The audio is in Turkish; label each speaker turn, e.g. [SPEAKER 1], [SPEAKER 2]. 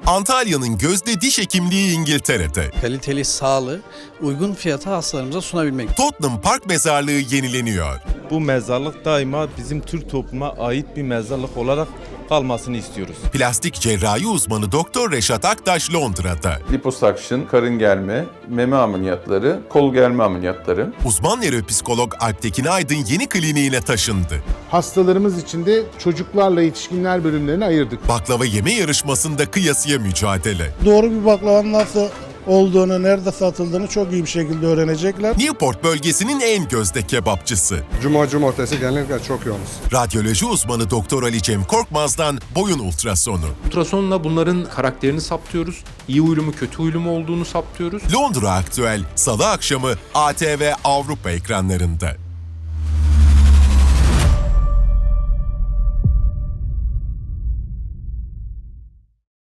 [SPEAKER 1] Antalya'nın gözde diş hekimliği İngiltere'de.
[SPEAKER 2] Kaliteli sağlığı uygun fiyata hastalarımıza sunabilmek.
[SPEAKER 1] Tottenham Park Mezarlığı yenileniyor.
[SPEAKER 3] Bu mezarlık daima bizim Türk topluma ait bir mezarlık olarak kalmasını istiyoruz.
[SPEAKER 1] Plastik cerrahi uzmanı Doktor Reşat Aktaş Londra'da.
[SPEAKER 4] Liposuction, karın germe, meme ameliyatları, kol germe ameliyatları.
[SPEAKER 1] Uzman nöropsikolog Alptekin Aydın yeni kliniğine taşındı.
[SPEAKER 5] Hastalarımız için de çocuklarla yetişkinler bölümlerini ayırdık.
[SPEAKER 1] Baklava yeme yarışmasında kıyasıya mücadele.
[SPEAKER 6] Doğru bir baklavanın nasıl olduğunu, nerede satıldığını çok iyi bir şekilde öğrenecekler.
[SPEAKER 1] Newport bölgesinin en gözde kebapçısı.
[SPEAKER 7] Cumartesi genellikle çok yoğunuz.
[SPEAKER 1] Radyoloji uzmanı Doktor Ali Cem Korkmaz'dan boyun ultrasonu.
[SPEAKER 8] Ultrasonla bunların karakterini saptıyoruz. İyi huylu mu kötü huylu mu olduğunu saptıyoruz.
[SPEAKER 1] Londra Aktüel Salı akşamı ATV Avrupa ekranlarında.